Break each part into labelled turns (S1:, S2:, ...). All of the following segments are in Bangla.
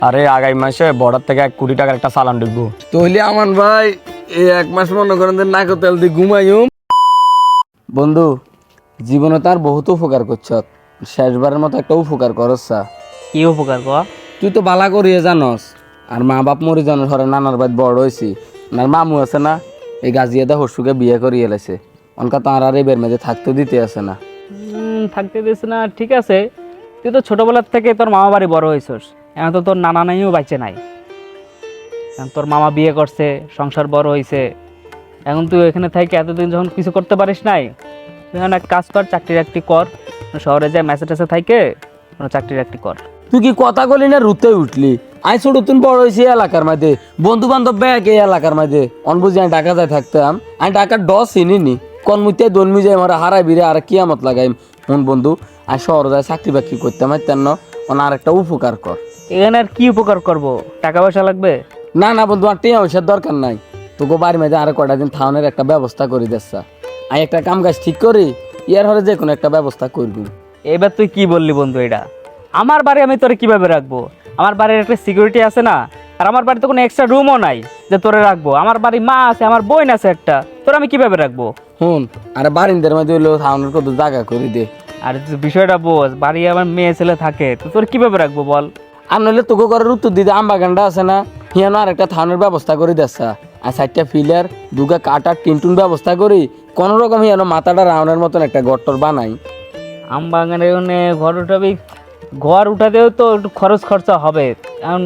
S1: আরে আগামী মাসে বর্ডার থেকে 1 কোটি টাকার একটা চালান ঢুকবো।
S2: তাহলে আমান ভাই এই 1 মাস মনে করেন যে নাকো তেল দিয়ে ঘুমাইম। বন্ধু জীবনে তার বহুত উপকার করছ, শেষবারের মতো একটা উপকার করছ।
S3: কি উপকার ক?
S2: তুই তো বালা করিয়ে জানস, আর মা বাপ মরি জানো ধরে নানার বাড়ি বড় হয়েছি। আর মামু আছে না, এই গাজিয়াদা হরসুকে বিয়ে করিয়ে এলাইছে। অনকা তাঁর আর এবার মেঝে থাকতে দিতে আছে না।
S3: থাকতে দিস না, ঠিক আছে। তুই তো ছোটবেলার থেকে তোর মামা বাড়ি বড় হয়েছিস, এখন তো তোর নানা নাইও বাইচে নাই। এখন তোর মামা বিয়ে করছে, সংসার বড় হয়েছে। এখন তুই এখানে থেকে এতদিন যখন কিছু করতে পারিস নাই, তুই এখন এক কাজ কর, চাকরি টাকরি কর, শহরে যায় মেসে টেসে থাকে চাকরি টাকরি কর।
S2: তুই কি কথা বলি না রুতে উঠলি? আই ছোট তুন বড় হয়েছি এলাকার মাঝে, বন্ধু বান্ধব ব্যাগ এই এলাকার মাঝে। অনবুঝি আমি ঢাকা যায় থাকতাম, আমি ঢাকার ডস চিনি কনমুতে দলমি যায় আমার হারাই বিরে আর কিয়ামত লাগাই। মন বন্ধু আর শহরে যায় চাকরি বাকরি করতাম, তেন আর একটা উপকার কর।
S3: এখানে আর কি উপকার করব? টাকা পয়সা লাগবে?
S2: না না বন্ধু, আর টিয়া পয়সার দরকার নাই। তোকে বাড়ির মাঝে আরো কটা দিন থাউনের একটা ব্যবস্থা করে দিচ্ছা। আমি একটা কাম কাজ ঠিক করি, ইয়ার হলে যে কোনো একটা ব্যবস্থা করবি।
S3: এবার তুই কি বললি বন্ধু? এটা আমার বাড়ি, আমি তোরে কিভাবে রাখবো? আমার বাড়ির একটা সিকিউরিটি আছে না, আর আমার বাড়িতে কোনো এক্সট্রা রুমও নাই যে তোরে রাখবো। আমার বাড়ি মা আছে, আমার বোন আছে একটা, তোর আমি কিভাবে রাখবো?
S2: হুন, আর বারিন্দার মাঝে হইলো থাউনের কত জায়গা করে দে।
S3: আর তুই বিষয়টা বোঝ, বাড়ি আমার মেয়ে ছেলে থাকে, তো তোর কিভাবে রাখবো বল?
S2: আর নইলে তোকে করার উত্তর দিতে আমবাগানটা আছে না, হিয়ানো আর একটা থাউনের ব্যবস্থা করে দিচ্ছা। আর 4টা পিলার, 2 কাটার টিনটুন ব্যবস্থা করি, কোনো রকম হিয়ানো মাথাটা রাউন্ডের মতন একটা গট্টর বানাই।
S3: আম বাগানে ঘর উঠাবি, ঘর উঠাতেও তো একটু খরচ খরচা হবে। এখন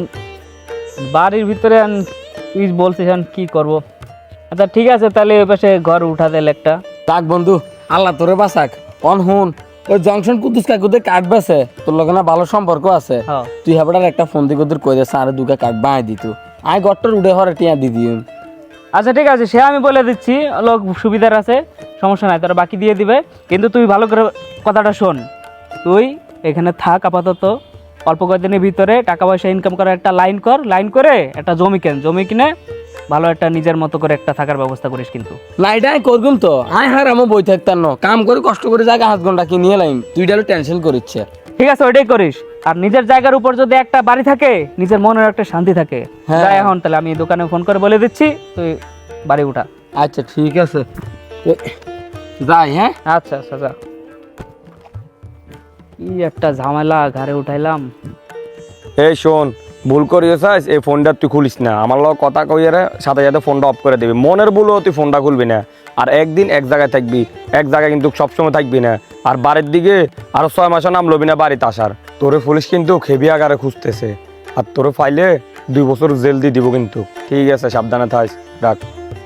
S3: বাড়ির ভিতরে তুই বলছিস এখন কি করব? আচ্ছা ঠিক আছে, তাহলে ওই পাশে ঘর উঠা দিলে একটা।
S2: থাক বন্ধু, আল্লাহ তোরে বাঁচাক। অন হুন, ওই জংশন কুদ্দুস কাকুদের কাঠ বেছে, তোর লগে না ভালো সম্পর্ক আছে।
S3: হ্যাঁ।
S2: তুই হেবড়ার একটা ফোন দিয়ে ওদের কই দেছে আর 2 কাঠ বাঁয় দিত, আয় গট্টর উঠে হরে টিয়া দি দিম।
S3: আচ্ছা ঠিক আছে, সে আমি বলে দিচ্ছি, লোক সুবিধার আছে, সমস্যা নাই, তারা বাকি দিয়ে দিবে। কিন্তু তুই ভালো করে কথাটা শোন, তুই এখানে থাক আপাতত। অল্প কয়েকদিনের ভিতরে টাকা পয়সা ইনকাম করার একটা লাইন কর, লাইন করে একটা জমি কেন, জমি কিনে ভালো একটা নিজের মতো করে একটা থাকার ব্যবস্থা করিস। কিন্তু
S2: না এটা আমি করগুম তো, আয় হার আমি বই থাকতাম না, কাম করে কষ্ট করে জায়গা 7 ঘন্টা কিনিয়ে লাইম, তুই ডালো টেনশন করিচ্ছে।
S3: ঠিক আছে, ওইটাই করিস। আর নিজের জায়গার উপর যদি একটা বাড়ি থাকে, নিজের মনের একটা শান্তি থাকে।
S2: হ্যাঁ।
S3: যাই এখন তাহলে আমি দোকানে ফোন করে বলে দিচ্ছি, তুই বাড়ি উঠা।
S2: আচ্ছা ঠিক আছে, যাই। হ্যাঁ
S3: আচ্ছা আচ্ছা যা। কি একটা ঝামেলা ঘাড়ে উঠাইলাম।
S1: এই শোন, ভুল করিয়েছিস, এই ফোনটা তুই খুলিস না। আমার লোক কথা কইয়ে সাথে সাথে ফোনটা অফ করে দিবি। মনের ভুলও তুই ফোনটা খুলবি না। আর একদিন এক জায়গায় থাকবি, এক জায়গায় কিন্তু সবসময় থাকবি না। আর বাড়ির দিকে আরো 6 মাসের নাম লবি না বাড়িতে আসার। তোরে পুলিশ কিন্তু খেবি আগারে খুঁজতেছে, আর তোরে ফাইলে 2 বছর জেল দিয়ে দিব কিন্তু। ঠিক আছে, সাবধানে থাক, রাখ।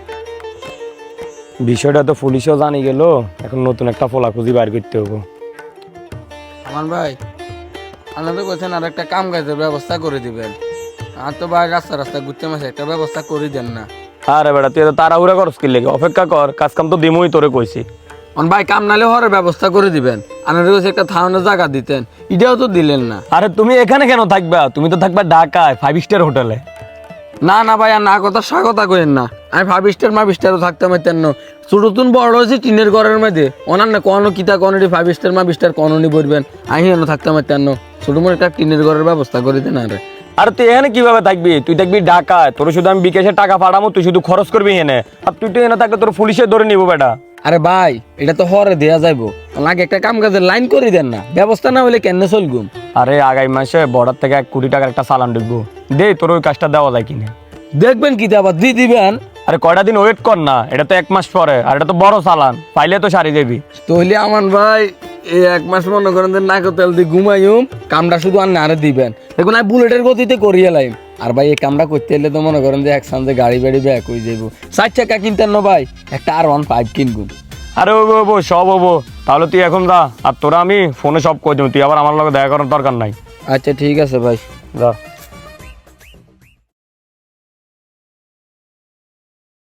S1: বিষয়টা তো পুলিশও জানি গেল, এখন নতুন একটা ফলা খুঁজি বাইর করতে হবো।
S2: আমার ভাই আপনি তো বলছেন আর একটা কাম কাজের ব্যবস্থা করে দিবেন। আর তো ভাই রাস্তা রাস্তা ঘুরতে মাসে একটা ব্যবস্থা করে দেন না।
S1: আরে বেটা, তুই তো তাড়াহুড়া করস কি লেগে? অপেক্ষা কর, কাজ কাম তো দিমই তোরে কইছি।
S2: অন ভাই কাম নালে হওয়ার ব্যবস্থা করে দিবেন। আপনার কাছে একটা থাউনের জায়গা দিতেন, এটাও তো দিলেন না।
S1: আরে তুমি এখানে কেন থাকবা? তুমি তো থাকবা ঢাকায় 5 স্টার হোটেলে।
S2: না না ভাই, আর না কথা স্বাগতা করেন না। আমি 5 স্টার 5 স্টারও থাকতে পারতেন না। ছোট তুন বড় হয়েছে টিনের ঘরের মধ্যে, ওনার না কোনো কিতা কোনটি 5 স্টার 5 স্টার কোননি বলবেন। আমি এনে থাকতে পারতেন না, ছোট মোট একটা টিনের ঘরের ব্যবস্থা করে দেন। আরে
S1: আরে তুই এখানে কিভাবে থাকবি? তুই থাকবি ঢাকায়, তোর শুধু আমি বিকাশে টাকা পাঠাবো, তুই শুধু খরচ করবি এনে। আর তুই তো এনে থাকলে তোর পুলিশে ধরে নিবো বেটা।
S2: আরে ভাই এটা তো হরে দেয়া যাইবো, লাগে একটা কাম কাজের লাইন করে দেন না। ব্যবস্থা না হলে কেন চলগুম?
S1: আরে আগামী মাসে বর্ডার থেকে 1 কোটি টাকার একটা চালান ঢুকবো, দে তোর ওই কাজটা দেওয়া যায় কিনা।
S2: দেখবেন কি আবার দিয়ে দিবেন।
S1: আরে কয়টা দিন ওয়েট কর না, এটা তো 1 মাস পরে, আর এটা তো বড় চালান, পাইলে তো সারি দেবি।
S2: তাহলে আমার ভাই এই 1 মাস মনে করেন যে নাকো তেল দিয়ে ঘুমাইম, কামটা শুধু আর না দিবেন। দেখুন আমি বুলেটের গতিতে করিয়ে লাইম। আর ভাই এই কামটা করতে এলে তো মনে করেন যে একসাথে গাড়ি বাড়ি ব্যাক হয়ে যাবো। 4 চাকা কিনতেন না ভাই, একটা R15 কিনবো।
S1: আরে ও সব হবো, তাহলে তুই এখন যা। আর তোরা আমি ফোনে সব কই দেবো, তুই আবার আমার লগে দেখা করার দরকার নাই।
S2: আচ্ছা ঠিক আছে ভাই,
S1: যা।